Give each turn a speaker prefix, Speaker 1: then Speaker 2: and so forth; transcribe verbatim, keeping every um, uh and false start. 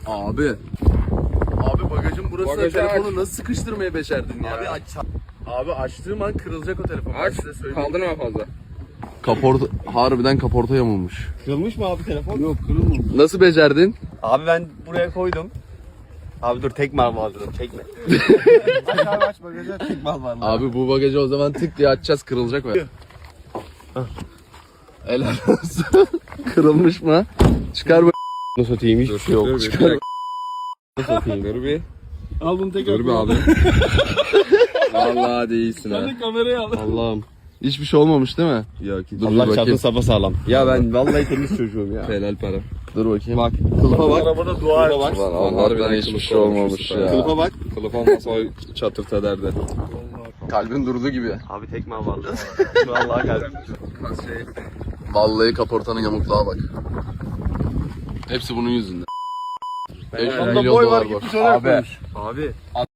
Speaker 1: Abi. Abi bagajın burasına
Speaker 2: Bagajı
Speaker 1: telefonu
Speaker 2: aç.
Speaker 1: nasıl sıkıştırmayı başardın ya?
Speaker 3: Abi aç.
Speaker 1: Abi açtığım an kırılacak o telefon.
Speaker 2: Aç.
Speaker 1: Ben size söyleyeyim.
Speaker 2: Kaldırma fazla.
Speaker 1: Kaporta, harbiden kaporta yamulmuş.
Speaker 3: Kırılmış mı abi telefon?
Speaker 1: Yok kırılmamış. Nasıl becerdin?
Speaker 3: Abi ben buraya koydum. Abi dur tek mal vardı çekme. aç abi aç bagajı tek mal var.
Speaker 1: Abi bu bagajı o zaman tık diye açacağız, kırılacak mı? Helal olsun. Kırılmış mı? Çıkar bu.
Speaker 3: Nasıl satayım hiçbir şey yok.
Speaker 2: Çıkar. Satayım. Dur bir.
Speaker 3: Al bunu tekrar.
Speaker 2: Dur bir abi. Vallahi değilsin ha.
Speaker 3: Kamerayı al. Allah'ım.
Speaker 1: Hiçbir şey olmamış değil mi?
Speaker 2: Yok.
Speaker 1: Dur
Speaker 3: Allah
Speaker 1: bir
Speaker 3: çarpsın
Speaker 1: bakayım.
Speaker 3: sapa sağlam. Ya ben vallahi temiz çocuğum ya.
Speaker 2: Helal para.
Speaker 1: Dur bakayım.
Speaker 3: Bak.
Speaker 1: Kılıfa bak.
Speaker 3: Arabada dua et.
Speaker 2: bak.
Speaker 1: Ulan
Speaker 2: Harbiden
Speaker 1: harbiden hiçbir
Speaker 2: kılıf
Speaker 1: şey olmamış
Speaker 2: olmuş
Speaker 1: ya.
Speaker 3: Kılıfa bak.
Speaker 2: Kılıf olmasa o çatırtı ederdi.
Speaker 1: Kalbin durdu gibi.
Speaker 3: Abi tek mal vardı. Vallahi kalbim.
Speaker 1: Vallahi kaportanın yamukluğa bak. Hepsi bunun yüzünden. beş yüz
Speaker 3: Onda
Speaker 1: milyon
Speaker 3: boy
Speaker 1: dolar
Speaker 3: var
Speaker 1: borç.
Speaker 3: gitmiş oraya
Speaker 1: Abi.
Speaker 3: koymuş. Abi.